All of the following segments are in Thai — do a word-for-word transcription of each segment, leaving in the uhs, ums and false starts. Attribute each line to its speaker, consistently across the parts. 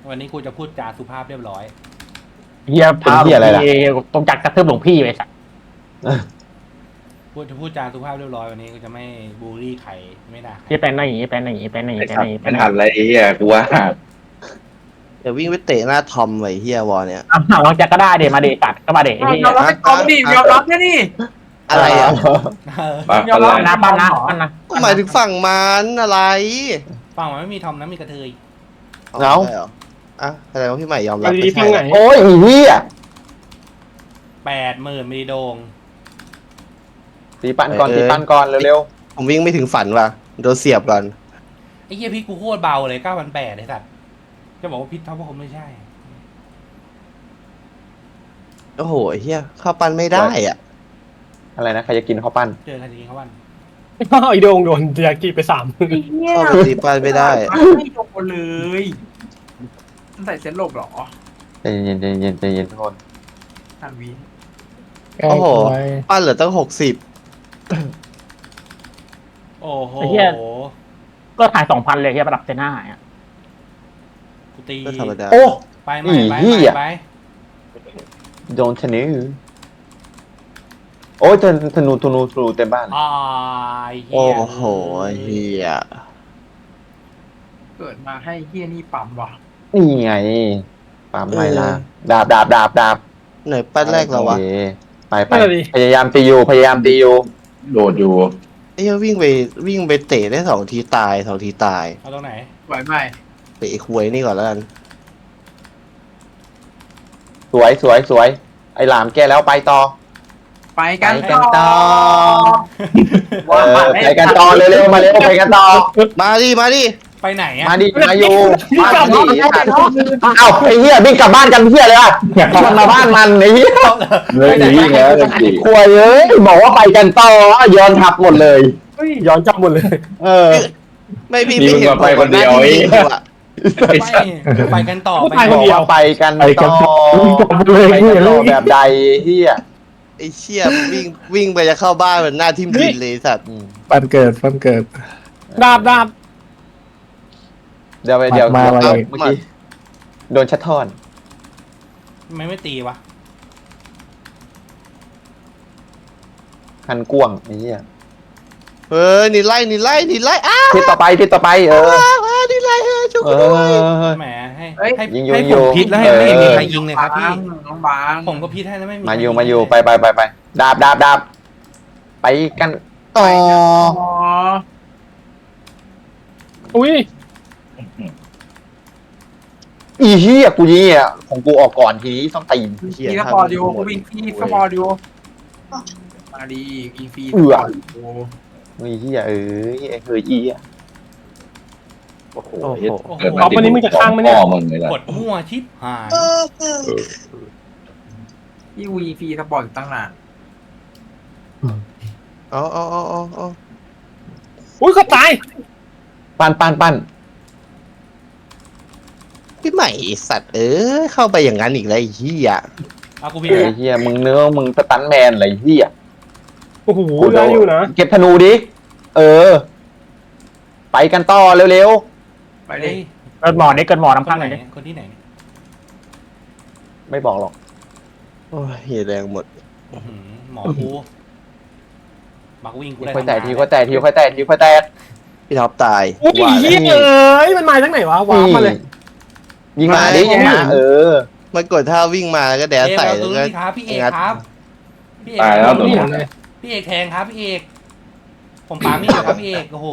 Speaker 1: วันนี้กูจะพูดจาสุภาพเรียบร้อย
Speaker 2: เฮียพาหลวงพี่ตรงจักรกระทืบหลวงพี่ไปสัก
Speaker 1: พูดจะพูดจาสุภาพเรียบร้อยวันนี้กูจะไม่บูลลี่ใครไม่ด่าใคร
Speaker 2: เฮียเป็นอะไรอย่างงี้เป็นอะไรอย่างงี้เป็นอะไรอย่าง
Speaker 3: ไอ้
Speaker 2: งี้เป็น
Speaker 3: สั
Speaker 2: อะ
Speaker 3: ต
Speaker 2: ไร
Speaker 3: ว์
Speaker 2: เป็น
Speaker 3: มัน
Speaker 2: อะไร
Speaker 3: หันอะไรไอ้เหี้ยกูว่า
Speaker 4: เดี๋ยววิ่งไปเตะหน้าทอมไว้เฮียวอลเนี่ย
Speaker 2: อ้าวลองจักรก็ได้เดมาเดตัดก็มาเดไอ้เฮีย
Speaker 5: ยอมรับเป็นกองดิยอมรับแค่นี่
Speaker 4: อะไรอ่ะ
Speaker 1: เออ
Speaker 3: ปะ
Speaker 5: ยอมรับ
Speaker 3: ปะ
Speaker 2: นะปั้นนะปั้นนะ
Speaker 4: ก็หมายถึงฝั่งมันอะไร
Speaker 1: ฟังมันไม่มีทอมนะมีกระเทย
Speaker 4: ใช่หรออ่ะแสดงว่าพี่ใหม่ยอมรับ
Speaker 2: ดี
Speaker 4: ไม่
Speaker 2: ฟั
Speaker 4: ใช่
Speaker 2: งไหน
Speaker 4: เหรอ
Speaker 6: โอ้ยอีเหี้ย
Speaker 1: แปดหมื่นมิลลิโดง
Speaker 6: ตีปั้นก่อนตีปั้นก่อนเร็ว
Speaker 4: ผมวิ่งไม่ถึงฝันว่ะโดนเสียบก่อน
Speaker 1: ไอ้เหี้ยพี่กูโคตรเบาเลยเก้าพันแปดไอ้สัตว์จะบอกว่าพิษท็อปก็คงไม่ใช่
Speaker 4: โอ้โหเฮียเข้าปันไม่ได้อ่ะ
Speaker 6: ๆอะไรนะใครจะกินข้าวปั้น
Speaker 1: เจอกันจริงๆเขาวัน
Speaker 7: ไอโดงโดนยากิไปสาม
Speaker 4: เข้าไปตีปันไม่ได้
Speaker 5: ไม่โดนเลยมันใส่เซ็ตหลบเหรอ
Speaker 6: ใจเย็นใจเย็นใจเย็นทุกคน
Speaker 5: ทันวี
Speaker 4: โอ้โหปั้นเหลือตั้งหกสิบ
Speaker 1: โอ้โห
Speaker 2: ก็ถ่ายสองพันเลยเฮียประดับเซน่าหายอ่ะ
Speaker 1: กูตี
Speaker 4: ก็ธรรมดา
Speaker 6: โอ้
Speaker 1: ไปไหม
Speaker 6: อี
Speaker 1: ไป
Speaker 6: เหี้
Speaker 1: ไหม
Speaker 6: ย
Speaker 1: ไป
Speaker 6: โดนธนูโอ้ยธนูธนูธนูธนูเต็มบ้าน
Speaker 1: อ่าไอ้เหี้
Speaker 4: โอ้
Speaker 1: ย
Speaker 4: โหเฮีย
Speaker 5: เกิดมาให้เฮียนี่ปั๊มว่ะ
Speaker 6: นี่ไงปามไรล่ะดาบดาบดาบดาบ
Speaker 4: ไหนปั้นแรกเราวะ
Speaker 6: โอคไปไปพยายามตีอยู่พยายามตีอยู่
Speaker 3: โดดอยู่
Speaker 4: ไอ้เฮียวิ่งไปวิ่งไปเตะได้สองทีตายสองทีตาย
Speaker 1: เอาตรงไหน
Speaker 5: ไหวไหม
Speaker 4: เตะไอ้ควยนี่ก่อนแล้วกัน
Speaker 6: สวยสวยสวยไอ้หลามแกแล้วไปต่อ
Speaker 5: ไปกัน
Speaker 6: ไปกันต่
Speaker 5: ต่
Speaker 6: อ
Speaker 5: อ
Speaker 6: เออไปกันต่อเร็วๆมาเร็วไปกันต่อ
Speaker 4: มาดิมาดิ
Speaker 1: ไปไหนอะ
Speaker 6: มาดิมาอยู่มาดิเอ้าไอ้เหี้ยวิ่งกลับบ้านกันเหี้ยเลยอ่ะชวนมาบ้านมันไอ้เหี้ย
Speaker 3: เลยหนีวิ่งแล้วเลยหนี
Speaker 6: ควยเอ้ยบอกว่าไปกันต่อย้อนทับหมดเลย
Speaker 7: ย้อนจับหมดเลย
Speaker 6: เออ
Speaker 4: ไม่พี่
Speaker 3: นี่
Speaker 4: ไม่
Speaker 3: มึง
Speaker 4: เห็น
Speaker 3: ก็ไปคนเดียว
Speaker 4: ผม
Speaker 3: ไอ้
Speaker 4: หน้าที่วิ่งอยู่อะ
Speaker 1: ไปไปกันต่อ
Speaker 7: ไป
Speaker 1: ไป
Speaker 7: คนเดียว
Speaker 6: ไปกันต่อ
Speaker 7: เลย
Speaker 6: ไปกันต่อแบบใดเหี้ย
Speaker 4: ไอ้เชี่ยวิ่งวิ่งไปจะเข้าบ้านเหมือนหน้าทิ่มดินเลยสัตว์
Speaker 7: ปันเกิดปันเกิดดาบดาบ
Speaker 6: เดี๋ยวไปเดี๋ยว
Speaker 7: มามา
Speaker 6: เดี๋ยว
Speaker 7: เลย
Speaker 6: เมื่อกี้โดนชัดทอน
Speaker 1: ทำไมไม่ตีวะ
Speaker 6: คันกวงไอ้เหี้ย
Speaker 4: เฮ้ยนี่ไล่นี่ไล่นี่ไล่อ้าว
Speaker 6: ทิศต่อไปทิศต่อไปเออ
Speaker 4: อ้าวอ้าวนี่ไล่เฮ้ยช่วย
Speaker 6: เอ
Speaker 4: กูด้วย
Speaker 6: อ
Speaker 1: แหมให้
Speaker 5: เฮ้ย
Speaker 1: ให้
Speaker 6: ยิงอยู่
Speaker 1: ให้
Speaker 6: ยิง
Speaker 1: ผ
Speaker 6: อยู่
Speaker 1: มพิษแล้วให้ไม่
Speaker 6: เออ
Speaker 1: มีใครยิงเลยครับพี่
Speaker 5: น้องบาง
Speaker 1: ผมก็พิษให้แล้วไม่มี
Speaker 6: มาอยู่
Speaker 1: ใคร
Speaker 6: มาอยู่
Speaker 1: เล
Speaker 6: ไปไปไปไปดาบดาบดาบไปกันต่อ
Speaker 5: อ๋อ
Speaker 7: อุ้ย
Speaker 6: อีเหี้ยกูยี่อ่ะของกูออกก่อนทีนี้ต้องตีน
Speaker 4: เหี้ย
Speaker 5: พี่ส
Speaker 4: ทำ
Speaker 5: ปอร์ตอยู่กูวิ่งพี่สปอร์ตอยู่มาดีวิ่งฟรี
Speaker 6: เอือ
Speaker 5: สปร์ตยู่
Speaker 6: อีเหี้ยเอ้ยไอ้เฮ้ยอีอ่ะ
Speaker 3: โอ้โห
Speaker 4: โอ้โห
Speaker 1: โอ้โห
Speaker 3: เกิด
Speaker 7: เอาวันนี้มึงจะข้างไหมเนี่ย
Speaker 3: พ่อมึงเลยล่ะ
Speaker 1: กดมั่วชิปหาย
Speaker 5: พี่วีฟรีสปอร์ตอยู่ตั้งนาน
Speaker 4: เอาเอาเอาเอาเอา
Speaker 7: อุ้ยเขาตาย
Speaker 6: ปั้นปั้นปั้น
Speaker 4: พี่ใหม่ไอ้สัตว์เอ้ยเข้าไปอย่างนั้นอีกแล้วไอ้เหี้ย
Speaker 1: เอากูพิษ
Speaker 6: ไอ้เหี้ยมึงเนื้อมึงสตันแมนอะไรเหี้ย
Speaker 7: โอ้โหได้อยู่นะ
Speaker 6: เก็บธนูดิเออ ไปกันต่อเร็ว
Speaker 5: ไป
Speaker 1: ไป
Speaker 5: เล
Speaker 1: เลย
Speaker 5: ย
Speaker 2: เกิดหมอนี่เกิดหมอ
Speaker 1: คน
Speaker 2: น้ำข้าง
Speaker 1: ไห
Speaker 2: เล
Speaker 1: น
Speaker 2: ย
Speaker 1: คนที่ไหน
Speaker 6: ๆไม่บอกหรอก
Speaker 4: โอ้ยเหี้ยแรงหมด
Speaker 1: อื้อหือหมอกูบักวิ่งกูได้
Speaker 6: ค่อยแตะที
Speaker 1: ทำงาน
Speaker 6: ค่อยแตะทีค่อยแตะทีค่อยแตะ
Speaker 4: พี่ท็อปตาย
Speaker 7: อุ้ย
Speaker 4: ว่า
Speaker 7: เฮี
Speaker 4: แล้ว
Speaker 7: ยเอ้ยมันมาจากไหนวะว้ามาเลย
Speaker 6: ยิงมาดิยิงมาเออ
Speaker 4: มันกดท่าวิ่งมาแล้วก็แด
Speaker 1: เอ๊ะ
Speaker 4: นใส่
Speaker 1: เอา
Speaker 4: แล้
Speaker 1: ตัว ว
Speaker 4: ก็
Speaker 1: นี้ครับพี่เอก
Speaker 4: งัด
Speaker 1: ครับพี่เอก
Speaker 3: ตายแล้วตัว
Speaker 7: นี่
Speaker 3: นี้
Speaker 7: เลย
Speaker 1: พี่เอกแทงครับพี่เอกผมปาไม่อยู่ครับพี่เอกโอ้โห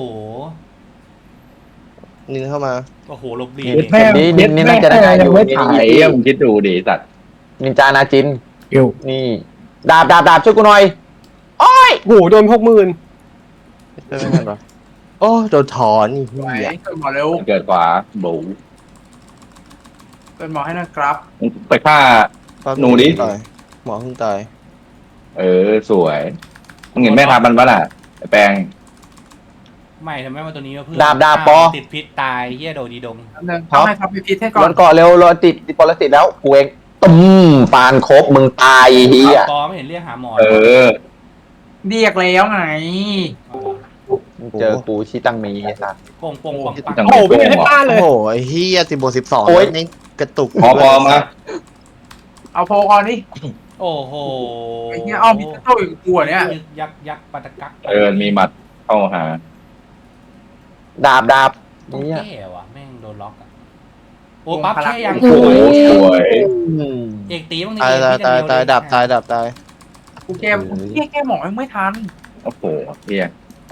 Speaker 4: นินเข้ามา
Speaker 1: โอ้โหลบดี
Speaker 6: เด็ดนี่นี่นี่น่าจะได้อยู่นี่
Speaker 3: ไอ้เหี้ยมึงคิดดูดิสัตว์
Speaker 6: นินจานาจิน
Speaker 7: เกี่ยว
Speaker 6: นี่ ดาบดาบดาบช่วยกูหน่อยโอ้ย
Speaker 7: โอ้โหโดนหกหมื่น
Speaker 4: ใช่ไหมครับวะโอ้โดนถอนนี่
Speaker 5: ไหว
Speaker 4: เหี้ย
Speaker 5: เกิดหมอเร็ว
Speaker 3: เกิดขวาบู
Speaker 5: เกิดหมอให้นะครับ
Speaker 3: มึงไปฆ่า หนูดิ
Speaker 4: ตายหมอเพิ่งตาย
Speaker 3: เออสวยมึงเห็นแม่ทัพมันปะล่ะไอ้แปลง
Speaker 1: ไม่ทำไมมาตัวนี้วะเพื่อน
Speaker 6: ดาบดาบปอ
Speaker 1: ติดพิษตายเหี้ยโดดีดง
Speaker 5: อันนึงทำให้ทับพิพิธให้ก่
Speaker 6: ร
Speaker 5: อ
Speaker 6: อน นเกาะเร็วรอนติดติดปรสิตแล้วกูเองตุ้มปานครบมึงตายเฮีย
Speaker 1: ปอไม่เห็นเรียกหาหมอ
Speaker 3: เออ
Speaker 5: เรียกแล้วไง
Speaker 6: เจอกูชิตังมีไอ้สัส
Speaker 1: โป่งโป่งปังปัง
Speaker 3: จัง
Speaker 7: โอ้โหไม่ได้ให้ป้าเล
Speaker 4: โอ้
Speaker 7: ย
Speaker 4: โหไอ้เหี้ยสิบวกสิบสอง
Speaker 6: โอ้ย
Speaker 4: นี่กระตุก
Speaker 3: พอพอมา
Speaker 5: เอาโพก่อนนี่
Speaker 1: โอ้โห
Speaker 5: ไอ้เหี้ยเอามีโต้อีกกลัวเนี่ย
Speaker 1: ยึกยักยักปัตตะกัก
Speaker 3: เออมีหมัดเข้าหา
Speaker 6: ดาบดาบ
Speaker 1: ต้อง
Speaker 6: เนี่ย
Speaker 1: แก้ว่ะแม่งโดนล็อกอะโอ้ปั๊บแค่ยัง
Speaker 3: โอ้โหสวย
Speaker 1: เอกตีบ้างดิ
Speaker 4: ตายตายตายตายดับตายดับตาย
Speaker 5: กูแก้กูเหี้ยแก้หมอยังไม่ทัน
Speaker 3: โอ้โหเฮีย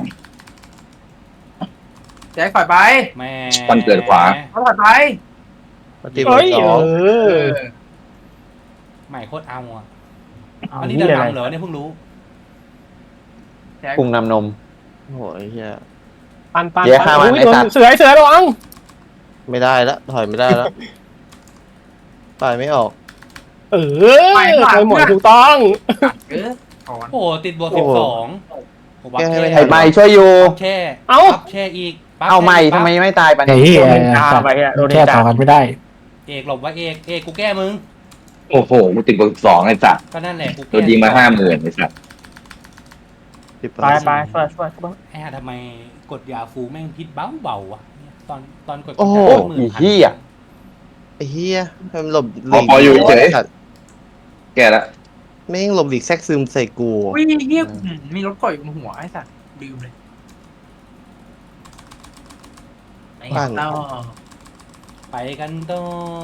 Speaker 5: แจ็คปล่อยไป
Speaker 1: แม่
Speaker 3: มันเกิดขวา
Speaker 5: เขาปล่อยไป
Speaker 4: ปฏิบั
Speaker 7: เฮ้
Speaker 4: ติ
Speaker 7: ย
Speaker 4: ส
Speaker 7: เอ
Speaker 4: อง
Speaker 7: อ
Speaker 5: เออ
Speaker 1: ใหม่โคตรเอาอ่ะ
Speaker 2: เอา
Speaker 1: อันนี้
Speaker 2: เหี้
Speaker 1: เดิ
Speaker 2: ย
Speaker 1: น
Speaker 2: อะไร
Speaker 1: นำเหรอเนี่ยเพิ่งรู้
Speaker 5: แจ็ค
Speaker 6: ปรุงนำนม
Speaker 4: โอ้ยเฮีย
Speaker 7: ปันปัน
Speaker 6: เดี๋ยวฆ่ามัน
Speaker 7: อุ๊ย
Speaker 6: ไอ้
Speaker 7: โด
Speaker 6: สัต
Speaker 7: น
Speaker 6: ว์
Speaker 7: เสือไอ้เสือระวัง
Speaker 4: ไม่ได้แล้วถอยไม่ได้แล้วปล่อยไม่ออก
Speaker 7: เออไปหมดถูกต้อง
Speaker 5: เออถอน
Speaker 1: โอ้โหติดบวกสิบสองโอ้ปั๊บ
Speaker 4: แก้ให้
Speaker 1: แช่
Speaker 4: ไม่ทั
Speaker 6: ไอ้ใบช่วยอยู่
Speaker 1: ปั๊บแช่
Speaker 7: เอ้า
Speaker 1: ปั๊บแช่อีกปั๊บ
Speaker 6: เอาใหม่
Speaker 1: แช่อีก
Speaker 6: ทำไมไม่ตายปะ
Speaker 2: ไอ้
Speaker 6: เนี่ย
Speaker 2: เหี้ย
Speaker 7: โดนด่าไปอะโดน
Speaker 2: แค่
Speaker 7: ด่า
Speaker 2: ต่อกันไม่ได้
Speaker 1: เอกหลบไว้เอกเอกกูแก้มึง
Speaker 3: โอ้โหกูติดเบอร์สองไอ้สัตว์
Speaker 1: ก็นั่นแหละกู
Speaker 3: โด
Speaker 1: แก้
Speaker 3: นยิงมาห้าหมื่นไอ้สัตว์
Speaker 4: สิบ
Speaker 2: ไปไปช่วยช่วยช่วย
Speaker 1: ไอ้ห่าทำไมกดยาฟูแม่งพิษเบาเบาๆวะเนี่ยตอนตอนกด
Speaker 4: โอ้โห
Speaker 1: หมื่
Speaker 6: อี
Speaker 1: นพัน
Speaker 6: เหี้ย
Speaker 4: ไอ้เฮียมันหลบห
Speaker 3: พอ
Speaker 4: ลีก
Speaker 3: พออยู่เฉย
Speaker 4: สัตว์
Speaker 3: แกละ
Speaker 4: แม่งหลบหลีกแทรกซึมใส่กู
Speaker 5: อุ้ยเหี้ยอืมมีรถก่อยบนหัวไอ้สัตว์ลืมเลยไอ้เต้า
Speaker 1: ไปกันต่อ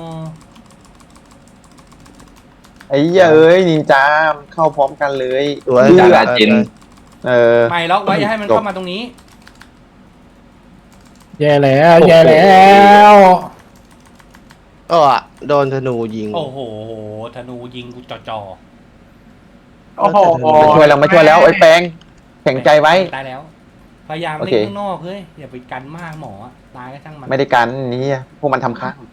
Speaker 6: ไอ้เหี้ยเอ้ยนินจาเข้าพร้อมกันเลย
Speaker 4: ตัว
Speaker 6: เลื
Speaker 3: จา
Speaker 6: อ
Speaker 3: รา
Speaker 6: ด
Speaker 3: จิน
Speaker 6: เออ
Speaker 1: ไม่ล็อกไว้อย่าให้มันเข้ามาตรงนี้
Speaker 2: แย่แล้วแย่แล้ว
Speaker 4: ก็อ่ะโดนธนูยิง
Speaker 1: โอ้โหธนูยิงกูจ่อ
Speaker 5: โอ้โห
Speaker 6: มาช่วยแล้วมาช่วยแล้วไอ้แปงแข็งใจไว้
Speaker 1: ตายแล้ว พยายาม
Speaker 6: โอ
Speaker 1: เล่
Speaker 6: เค
Speaker 1: นข้างนอกเฮ้ยอย่าไปกันมากหมออะตายก็ช่างมัน
Speaker 6: ไม่ได้กันนี่พวกมันทำค้าง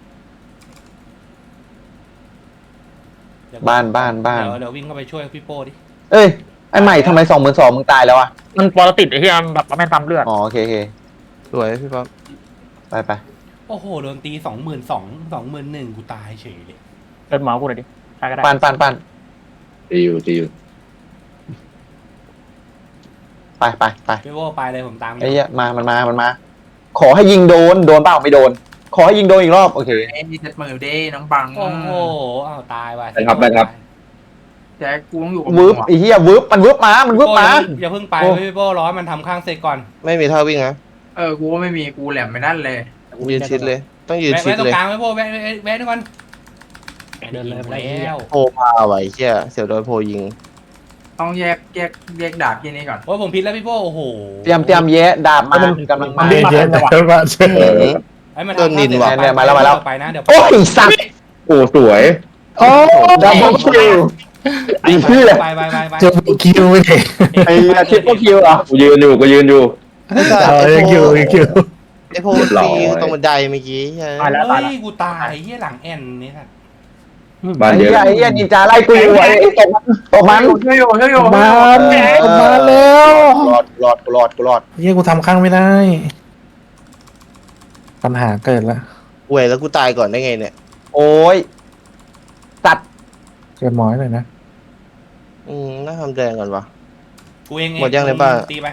Speaker 1: เดี๋ยว
Speaker 6: บ้านบ้านบ้าน
Speaker 1: เดี๋ยวเดี๋ยววิ่งเข้าไปช่วยพี่โป้ดิ
Speaker 6: เอ้ยไอ้ใหม่ทำไมสองหมื่นสองมึงตายแล้วอ่ะ
Speaker 2: มันปรติดไอ้เหี้ยมันแบบว่าแม่งปั๊มเลือด
Speaker 6: อ๋อโอเคโอเค
Speaker 4: สวยพี่ป๊อป
Speaker 6: ไปไป
Speaker 1: โอ้โหโดนตีสองหมื่นสองสองหมื่นหนึ่งกูตายเฉยเลย
Speaker 2: เดินหมอกูหน่อยดิใครก็ได้
Speaker 6: ปันปันปัน
Speaker 3: ตีอยู่ตีอยู่
Speaker 6: ไปไปไป
Speaker 1: พี่โป้ไปเลยผมตามอยู่
Speaker 6: ไอ้เหี้ยมามันมามันมา ขอให้ยิงโดนโดนเปล่าไม่โดน ขอให้ยิงโดนอีกรอบโอเค
Speaker 5: ไอ้นี่เจ็ดมือเด้น้องบัง
Speaker 1: โอ้โหอ้าวตายว่ะ
Speaker 3: ไปครับไปครับ
Speaker 5: แจ็คกูต้องอยู่กับ
Speaker 6: วืบไอ้เหี้ยวืบมันวืบมามันวืบ
Speaker 1: โป้
Speaker 6: มา
Speaker 1: อย่าเพิ่งไป
Speaker 6: โอ้
Speaker 1: พี่โป้ร้อนมันทำข้างเสร็จก่อน
Speaker 4: ไม่มีท่าวิ่งนะ
Speaker 5: เออกูก็ไม่มีกูแหลมไม่นั่นเลย
Speaker 4: ยืนชิดเลย ต้องยืน
Speaker 1: แวะ
Speaker 4: ชิด
Speaker 1: แวะตร
Speaker 4: เล
Speaker 1: ง
Speaker 4: ย
Speaker 1: กลางพี่โป้แวะแวะแวะด้วยก่อน
Speaker 2: เดินเลย
Speaker 1: แล้ว
Speaker 4: โพมาไว้เชี่ยเสียวโดนโพยิง
Speaker 5: ต้องแยกแยกแยกดาบที่นี่ก่อน
Speaker 1: โอ้ยผมพิษแล้วพี่โป้โอ้โห
Speaker 6: เตรียมเตรียมแยะดาบมากำลังมา
Speaker 2: เย็นเย็นแต่ว่า
Speaker 4: เออ
Speaker 1: ไอ้มัน
Speaker 4: ต้นนินว่ะ
Speaker 6: เนี่ยมาแล้วมาแล้ว
Speaker 1: ไปนะเดี๋ยว
Speaker 6: โอ้ยสัตว์
Speaker 3: โอ้สวย
Speaker 2: โอ้
Speaker 6: ดับเบิลคิวไอ้เหี้ย
Speaker 1: ไปไปไปไป
Speaker 2: จะคิวไม่ได้
Speaker 6: ไอ้ทริปเปิลคิวเหรอ
Speaker 3: กูยืนอยู่กูยืนอยู่
Speaker 4: ไอ้สัตว์
Speaker 2: เออ
Speaker 4: ไอ้
Speaker 2: ยัง
Speaker 4: โพ
Speaker 2: คิวยังคิว
Speaker 4: ไอ้โพ
Speaker 3: เรียบร้อย
Speaker 4: ปีตรงบันไดเมื่อกี้ใช่
Speaker 2: ตายแล้วตาย
Speaker 1: เฮ้
Speaker 2: แล้ว
Speaker 1: ยกูตายเฮียหลังแอนนี่ครับ
Speaker 3: บ้าน
Speaker 6: ไอ้
Speaker 3: เย
Speaker 6: เหี้ย
Speaker 3: อะ
Speaker 6: ไอ้เหี้ยนินจาไล่กูอยู่ไอ้ตกตกมัน
Speaker 5: ช่วยอยู่ช่วยอยู่
Speaker 2: มามาแล้ว
Speaker 6: รอดรอดกูรอดกูรอด
Speaker 2: เหี้ยกูทำข้างไม่ได้ ปัญหาเกิดละ
Speaker 4: เว้ยแล้วกูตายก่อนได้ไงเนี่ย
Speaker 6: โอ้ยสัตว์
Speaker 2: เกิดหมอยหน่อยนะ
Speaker 4: อืมน่าทำแดงก่อนวะ
Speaker 1: กูเอง
Speaker 4: หมดยังในบ้าน
Speaker 1: ตีไป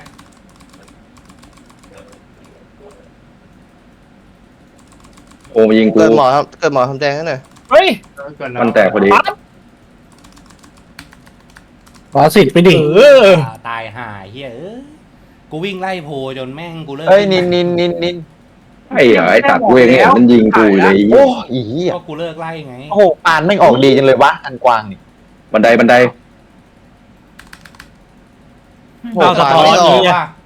Speaker 3: โอ้มายิงกู
Speaker 4: เกิดหมอทำเกิดหมอทำแดงให้หน่อย
Speaker 7: เฮ้ย
Speaker 5: เกินแล้ว
Speaker 3: มันแตกพอดี
Speaker 2: ขอสิทธิ์ไปดิ
Speaker 7: เออ
Speaker 1: อ่าตายหายเฮียเอ้ยกูวิ่งไล่โพจนแม่งกูเลิก
Speaker 6: เอ้ยนินนินนินนิน
Speaker 3: ไอ้เหรอไอ้ตัดกูเองเห็นมันยิงกูเลย
Speaker 6: โอ้ยอีเหี้ย
Speaker 1: ก็กูเลิกไล่ไง
Speaker 6: โอ้โหปานไม่งออกดีจังเลยวะอันกวางนี่
Speaker 3: บันไดบันได
Speaker 4: โห
Speaker 1: เอาสะท้อน
Speaker 4: ไม่ออก
Speaker 1: ว่ะ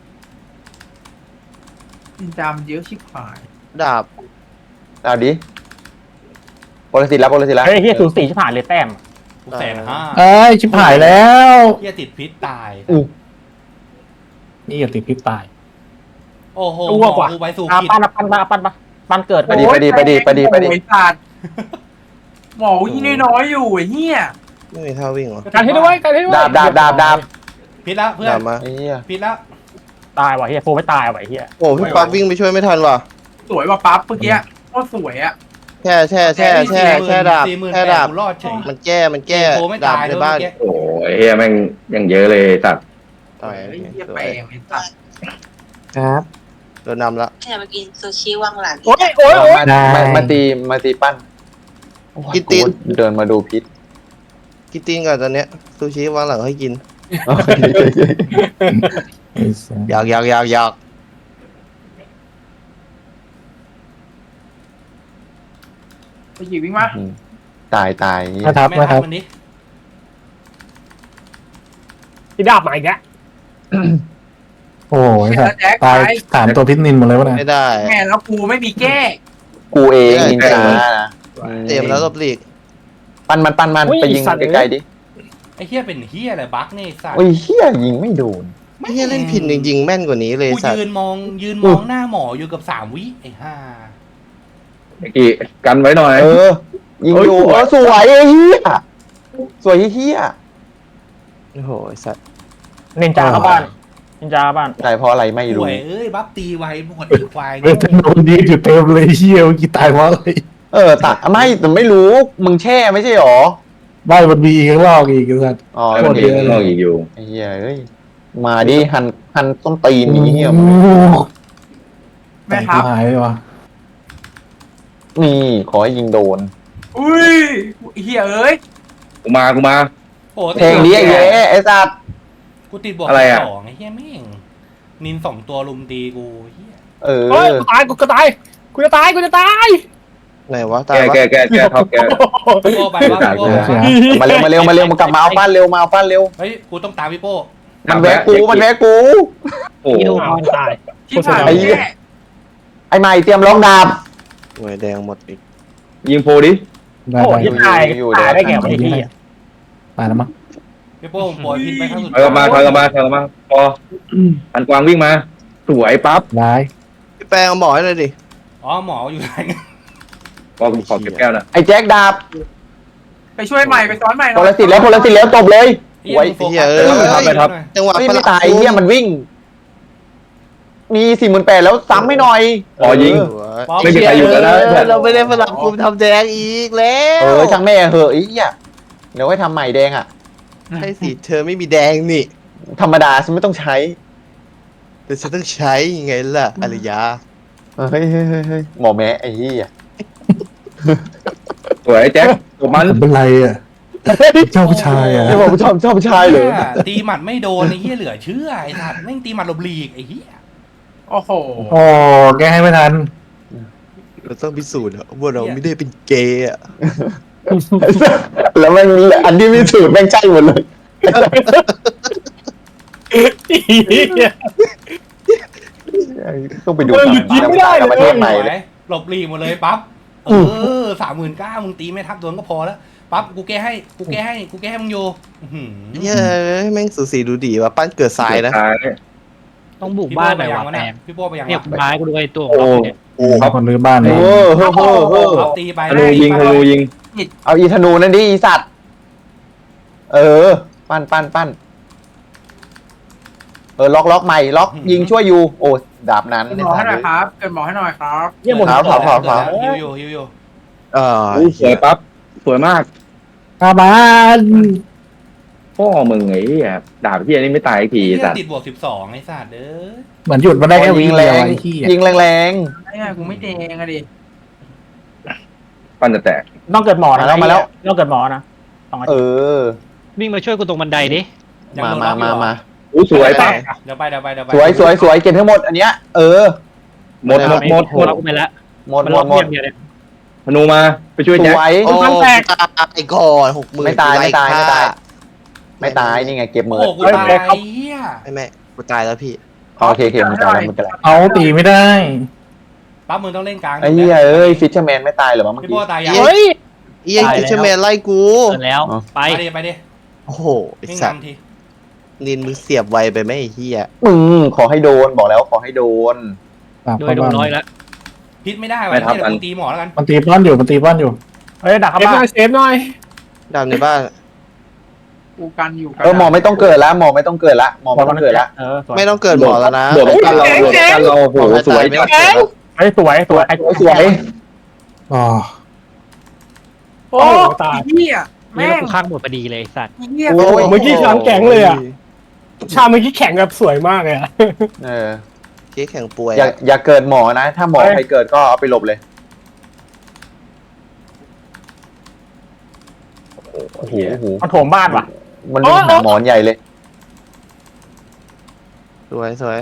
Speaker 5: จามเยอะชิบหาย
Speaker 4: ดาบ
Speaker 6: เอาดิโปรสิตแล้วโปรสิตแล้ว
Speaker 2: เฮ้ยเฮียสูสีชิบหายเลยแต้ม
Speaker 1: กูแสนห้า
Speaker 2: เอ้ยชิบหายแล้ว
Speaker 1: เฮียติดพิษตาย
Speaker 2: นี่อย่าติดพิษตาย
Speaker 1: โอ้โห
Speaker 2: อ้วกว่ะ
Speaker 1: กูไปสู่
Speaker 2: อ่ะ
Speaker 1: ผิด
Speaker 2: ปั้นปั้นปั้นปั้นปั้นปั้นเกิด
Speaker 6: ไปดิไปดิไปดิไปดิไปดิ
Speaker 5: โอ้ยสัตว์หมอยิ่งน้อยๆอยู่ไอ้เหี้ย
Speaker 4: ไม่มีท่าวิ่งเหรอ
Speaker 7: กันให้ด้วยกันให้ด้วย
Speaker 6: ดาบดาบดาบดาบ
Speaker 1: พิษแล้วเพื่อน
Speaker 4: ดาบมา
Speaker 6: ไอ้เหี้ย
Speaker 1: พิษแล้ว
Speaker 2: ตายว่ะเฮียโฟไม่ตายว่ะเฮีย
Speaker 4: โอ้พี่ป๊อปวิ่งไปช่วยไม่ทันว่ะ
Speaker 5: สวยว่ะปั๊บเมื่อกี้โคตรสวยอ่ะ
Speaker 4: แช่แช่แช่แช่แช่ดาบ
Speaker 1: สี่หมื่น
Speaker 4: แช่
Speaker 1: แป
Speaker 4: ดาบ
Speaker 1: กูรอดเฉย
Speaker 4: มันแก้มันแก้
Speaker 1: โพไม่
Speaker 4: ดาบ
Speaker 1: ตาย
Speaker 4: ใน
Speaker 1: ด้วย
Speaker 4: บ้าน
Speaker 1: เมื่อกี้
Speaker 3: โอ้ยเฮียแม่งยังเยอะเลยตัด
Speaker 4: ต่อย
Speaker 5: ไอ้เหี้ย
Speaker 4: ส
Speaker 5: แป
Speaker 4: ว
Speaker 5: ล
Speaker 4: ย
Speaker 5: งไอ้สัตว์
Speaker 2: ครับ
Speaker 4: โดนนำละ
Speaker 8: แค่มากินซูชิว่างหลัง
Speaker 7: โอ้ยโอ้ยโอ้ย
Speaker 6: มามามาตีมาตีปั้น
Speaker 4: กินตีน
Speaker 6: เดินมาดูพิษ
Speaker 4: กินตีนก่อนตอนเนี้ยซูชิวางหลังให้กินอยากอยากอยากอยาก
Speaker 5: ไปหยิบวิ่งมา
Speaker 6: ตายตาย
Speaker 7: มาทับ
Speaker 1: ไม่
Speaker 7: มาทับ
Speaker 1: ทำมันดิ
Speaker 7: พี่ดาบมาอีกแล้ว
Speaker 8: โอ้ย
Speaker 5: เชื่อแจ็ค
Speaker 8: ตาย
Speaker 5: ไป
Speaker 8: ถามตัวพิษนินหมดเลยวะเนี่ย
Speaker 4: ไม่ได้
Speaker 5: แม่แล้วกูไม่มีแก้
Speaker 6: กูเองนินจานะ
Speaker 4: เตรียมแล้วลบหลีก
Speaker 6: ปั้นมันปั้นมันไปยิงไกลๆดิ
Speaker 1: ไอ้เฮียเป็นเฮียอะไรบั๊กเนี่ยไอ้สัตว์
Speaker 6: โอ้ยเฮียยิงไม่โดน
Speaker 4: ไม่ใช่เล่นผิดจริงๆแม่นกว่านี้เลย
Speaker 1: กู
Speaker 4: สัต
Speaker 1: ยื
Speaker 4: ว์
Speaker 1: นมองยืนมองหน้าหมออยู่กับสามวิไอ้ห่า
Speaker 3: ไอ้กี่กันไว้หน่อย
Speaker 6: เออ ยิงอยู่
Speaker 3: เฮ้
Speaker 6: เอย
Speaker 3: ส
Speaker 6: อ
Speaker 3: วย
Speaker 6: สวยไอ้เฮียสวยเฮีย
Speaker 4: โอ้โหไอ้สัตว์
Speaker 7: นินจาเข้าบ้านนินจาเข้าบ้าน
Speaker 6: ตายเพราะอะไรไม่
Speaker 1: ป่
Speaker 6: รู้
Speaker 1: วยเอ้ยบัฟตีไวหมดไอ้ควาย
Speaker 8: เวทโนดีอยู่เต็มเลยเชี่ยวกี่ตายเพราะอะไร
Speaker 6: เออตัดไม่แต่ไม่รู้มึงแช่ไม่ใช่หรอ
Speaker 8: บ้านมันมีอีกข้างนอกอีกสัตว์
Speaker 6: อ๋อ
Speaker 3: ไอ้
Speaker 6: โอ
Speaker 3: มัน
Speaker 6: เค
Speaker 3: เองนอกอีกอยู่
Speaker 6: ไอ้เฮียเอ้ยมาดิหันหันต้นตีนนี้เฮีย
Speaker 5: แม่ทับ
Speaker 8: หายไปวะ
Speaker 6: นี่ขอให้ยิงโดน
Speaker 5: อุ้ยเฮียเอ้ย
Speaker 3: กูมากูมา
Speaker 1: โอ้
Speaker 6: เพลงนี้ไอ้เย้ไอ้สัตว์
Speaker 1: กูติดบวก
Speaker 3: อะไรอะ
Speaker 1: สองไอ้เฮียแม่งนินสองตัวลุมตีกูเฮีย
Speaker 6: เออ
Speaker 7: เฮ้ยกูตายกูก็ตายกูจะตายกูจะตาย
Speaker 4: ไหนวะตา
Speaker 3: แก
Speaker 4: ยวะ
Speaker 3: แกแกแกท็อปแก
Speaker 1: พี่โป้ไปว่าพี่โป้ไปว่า
Speaker 6: มาเร็วมาเร็วมาเร็วมากลับมาเอาปั้นเร็วมาเอาปั้นเร็ว
Speaker 1: เฮ้ยกูต้องตามพี่โป้
Speaker 6: มันแวะกูมันแวะกู
Speaker 3: โอ้โห
Speaker 7: เอาตาย
Speaker 5: ที่ผ่าน
Speaker 6: ไอ้
Speaker 5: แก้
Speaker 6: ไอ้ใหม่เตรียมล็อกดาบ
Speaker 4: หน่วยแดงหมดอีก
Speaker 3: ยิงโฟดิ
Speaker 8: ได้
Speaker 7: โอ้
Speaker 8: ได้
Speaker 7: ยตายตายได้แก่ไอ้ที่
Speaker 8: ตายแล้วมั้ง
Speaker 1: พี่โป้ผมปล่อยพิษไปครั้งสุด
Speaker 3: ถอยกลับมาถอยกลับมาถอยกลับมาพออันกวางวิ่งมา สวยปั๊บ
Speaker 8: ได้
Speaker 4: พี่แปลงเอาหมอให้หน่อยดิ
Speaker 1: อ๋อหมออยู่ไหน
Speaker 3: พอขอเก็บแก้วนะ
Speaker 6: ไอ้แจ็คดาบ
Speaker 5: ไปช่วยใหม่ไปซ้อนใหม่ห
Speaker 6: พ
Speaker 5: น่อย
Speaker 6: ลสิทธิ์แล้วพลสิทธิ์แล้วจบเลย
Speaker 1: เฮียมึงโฟกัส
Speaker 4: เฮ้ย
Speaker 1: เออ
Speaker 3: ไปครับ
Speaker 4: จังหวะ
Speaker 6: ไม่
Speaker 4: ฝ
Speaker 6: ไม่
Speaker 4: รั่ง
Speaker 6: ตายไอ้เฮียมันวิ่ง มีสี่หมื่นแปดแล้วซ้ำไม่หน่อย
Speaker 3: พอยิง
Speaker 6: เออ
Speaker 1: ป๊อป
Speaker 3: ไม่มีใครอยู่แล้วนะ
Speaker 4: เออเราไม่ได้ฝรั่งกลุ่มทำแดงอีกแล้ว
Speaker 6: เออช่างแม่เหอะไอ้เหี้ยเดี๋ยวให้ทำใหม่แดงอ่ะ
Speaker 4: ใช่สิเธอไม่มีแดงนี่
Speaker 6: ธรรมดาฉันไม่ต้องใช้
Speaker 4: แต่ฉันต้องใช้ยังไงล่ะอารยา
Speaker 6: เฮ้ยเฮ้ยเฮ้ยเฮ้ยหมอแม้ไอ้เหี้ย
Speaker 3: สวยแจ็คตัวมัน
Speaker 8: เป็นไรอ่ะเจ้าผู้ชายอ่ะ
Speaker 6: ไอ้บอกชอบชอบชายเลย
Speaker 1: หี้ตีหมัดไม่โดนไอ้เฮียเหลือเชื่อไอ้สัตว์แม่งตีหมัดหลบหลีกไอ้เฮีย
Speaker 5: โอ้โห
Speaker 8: โอ้แกให้ไม่ทัน
Speaker 4: เราต้องพิสูจน์อะว่าเราไม่ได้เป็นเกย์อะ
Speaker 6: แล้วแม่งอันที่มีสูตรแม่งใช่หมดเลยต้องไปดู
Speaker 7: เออหยุดยิงไม่ได้เลย
Speaker 6: ประเทศใหม่เลย
Speaker 1: หลบหลีกหมดเลยปั๊บเออสามหมื่นเก้ามึงตีไม่ทับโดนก็พอแล้วปั๊บกูแก้ให้กูแก้ให้กูแก้ให้มึงโยอื้อหือ
Speaker 4: เย้ยแม่งสูสีดูดีว่ะปั้นเกิดทรายนะ
Speaker 3: ตาย
Speaker 9: ต้องบุก
Speaker 1: พี่
Speaker 9: บ้า
Speaker 1: โป้
Speaker 9: นห
Speaker 1: ไป
Speaker 9: น่อย
Speaker 1: ยัง
Speaker 9: ว่ะ
Speaker 1: วะ
Speaker 9: แป
Speaker 1: เนี่ย
Speaker 9: ม
Speaker 1: พี่โป้ไปยัง
Speaker 9: เนี่ยว
Speaker 1: ะ
Speaker 9: คุณร้ายกูด้วยตัว
Speaker 3: โอ้
Speaker 9: เนี่ย
Speaker 6: โอ้
Speaker 8: มีคนรื้อบ้านเลย
Speaker 6: โหเฮ้อเฮ้อเฮ้อ
Speaker 1: เอาตีไป
Speaker 3: ธนูยิงธนูยิง
Speaker 6: เอาอีธนูนั่นดิอีสัตว์ เออ ปั้นปั้นปั้นเออล็อกล็อกใหม่ล็อกยิงช่วยอยู่ โอ้ดาบนั้น
Speaker 5: เกิดหมอให้หน่อยครับเกิดหมอให้หน่อยครับ
Speaker 7: เยี่ยหมด
Speaker 6: ขาวขาวขาวขาว
Speaker 1: ฮิวอยู่ฮิวอยู่
Speaker 4: เออ
Speaker 3: อู้สวยปั๊บสวยมาก
Speaker 8: ตาบ้าน
Speaker 3: พ่อมึงไอ้เหี้ยดาบที่อันนี้ไม่ตายอีกที
Speaker 1: เฮีย
Speaker 3: สัตว์
Speaker 1: ติดบวกสิบสองไอ้สัตว์เด้อ
Speaker 8: เหมือนหยุดมาได้แค่วิ
Speaker 6: ยิง
Speaker 8: เดี
Speaker 6: แร
Speaker 8: ยว
Speaker 6: ง
Speaker 8: ไอ้ที่
Speaker 6: ยิงแรง
Speaker 5: ไอ้เนี่ยกูไม่แดงอะดิ
Speaker 3: ปั้นจะแตก
Speaker 7: ต้องเกิดหมอนะ
Speaker 6: มาแล้วมาแล้ว
Speaker 7: ต้องเกิดหมอนะสองอา
Speaker 6: เอ
Speaker 7: ทิตย์
Speaker 6: อ
Speaker 9: วิ่งมาช่วยกูตรงบันไดดิ
Speaker 1: ยัง
Speaker 6: มา
Speaker 1: โดน
Speaker 6: มา
Speaker 1: ล็อกอยู่
Speaker 6: มา
Speaker 1: เหรอ
Speaker 6: มา
Speaker 3: อู้สวยปั๊บ
Speaker 1: เดี๋ยวไปเดี๋ยวไปเดี๋ยวไป
Speaker 6: สวยสวยสวยเก็บทั้งหมดอันเนี้ย เออ
Speaker 3: หมดหมดหมดหมด
Speaker 9: ล็อกกูไปแล้ว
Speaker 6: หมด
Speaker 9: มัน
Speaker 6: หม
Speaker 9: ล็อ
Speaker 6: ด
Speaker 9: ก
Speaker 6: หมด
Speaker 9: เพียงเดียวเลย
Speaker 3: ธนูมาไปช่วย
Speaker 6: ส
Speaker 3: แจ็ค
Speaker 6: วย
Speaker 4: โอ้ตายก่อนหกหมื่น
Speaker 6: ไม่ตายไม่ตายไม่ตาย ไม่
Speaker 4: ไม่
Speaker 6: ตายนี่ไงเก็บหมื
Speaker 1: โอ้
Speaker 6: อ
Speaker 1: โหกูตายไอ้เฮีย
Speaker 4: ไม่ไม่กูตายแล้วพี่
Speaker 6: โอเคโอเคมึงตายแล้วมึงตายแล้ว
Speaker 8: เอาตีไม่ได้
Speaker 1: ปั๊บมึงต้องเล่นกลาง
Speaker 6: ไอ้เหี้ยเอ้ยฟิชเชอร์แมนไม่ตายเหรอวะเมื่อ
Speaker 1: พี่
Speaker 6: กี้
Speaker 1: โป้ตายยัง
Speaker 4: เฮ้ย เอียงกิชแมนไล่กู
Speaker 9: เกิดแล้ว
Speaker 6: อ๋อ
Speaker 9: ไป
Speaker 1: ไปดิไปดิ
Speaker 4: โอ้โหไอ้
Speaker 1: วิ่ง
Speaker 4: สัตว์
Speaker 1: นำที
Speaker 4: นินมึงเสียบไวไปไหมไอ้เหี้ย
Speaker 6: มึงขอให้โดนบอกแล้วขอให้โดน
Speaker 8: ตาม
Speaker 9: โด
Speaker 8: เข้าย
Speaker 9: โด
Speaker 8: บ้าน น
Speaker 9: น้อยแล้ว
Speaker 1: พิษไม่ได้ว่ะเนี่ยเดี๋ยวกูตีหมอแล้วกัน
Speaker 8: มันตีบ้านอยู่มันตีบ้านอยู่
Speaker 7: เฮ้ยดักเข้าบ้านเซฟหน่อย
Speaker 4: ดาวในบ้าน
Speaker 5: กูกันอยู่กัน
Speaker 6: เออหมอไม่ต้องเกิดละหมอไม่ต้องเกิดละหมอไม่ต้องเกิดละ
Speaker 7: เออสวย
Speaker 4: ไม่ต้องเกิดหมอแล้วนะ
Speaker 3: โดดกันเราโดดกันเราโอ้โหสวย
Speaker 4: ไม่
Speaker 3: จั
Speaker 4: ต้
Speaker 3: ด
Speaker 4: องเกิดแล้ว
Speaker 7: เฮ้ยสวยสวย
Speaker 6: สวย
Speaker 8: อ๋อ
Speaker 5: โอ้ตายเหี้ย
Speaker 9: แม่
Speaker 5: แม่
Speaker 9: ง
Speaker 5: ง
Speaker 9: กูข้างหมดพอดีเลยสัตว์
Speaker 5: เหี้ย
Speaker 7: โอ้ยเมื่อกี้ช้างแข็งเลยอ่ะชาเมื่อกี้แข็งแบบสวยมากเลยอ่ะ
Speaker 6: เออ
Speaker 4: เจ๊แข่งป่วย
Speaker 6: อย่าอย่าเกิดหมอนะ ถ้าหมอใครเกิดก็เอาไปหลบเลยโอ้โหโอ้โห
Speaker 2: มันโถมบ้านว่ะ
Speaker 6: มันเล่นหาหมอนใหญ่เลย
Speaker 4: สวยสวย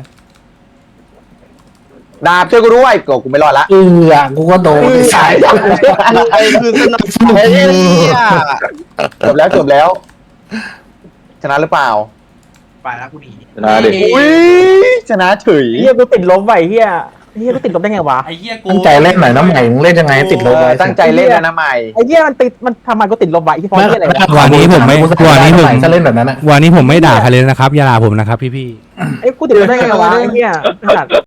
Speaker 6: ดาบช่วยกูด้วยก็กูไม่รอดละ
Speaker 8: เออกูก็โดนไอ้สาย
Speaker 4: ไอ้คือสนับสนุนเนี่ย
Speaker 6: จบแล้วจบแล้ว ชนะหรือเปล่า
Speaker 5: ไปแล้วกูหนี
Speaker 3: ชนะดิ
Speaker 6: อุ้ยชนะเฉย
Speaker 2: เฮียกูติดลบไว้เฮียเฮียกูติดลบได้ไงวะ
Speaker 1: ไอ้เหี้ยกู
Speaker 8: ตั้งใจเล่นหน่อยน้ำใหม่มึงเล่นยังไงให้ติดลบ
Speaker 6: เอ
Speaker 8: ไว้
Speaker 6: อตั้งใจเล่นแล้วนะใหม่
Speaker 2: ไอ้เฮียมันติดมันทำไมกูติดลบไว้ที่พอ
Speaker 8: ไม่
Speaker 2: เฮียอะไรวะ
Speaker 10: วันนี้ผมไม่วันนี้ผม
Speaker 8: ถ้าเล่นแบบนั้นอะ
Speaker 10: วันนี้ผมไม่ด่าใครเลยนะครับอย่าด่าผมนะครับพี่
Speaker 2: ไอ้กูติดลบได้ไงวะไอ้เฮียไอ้สัตว์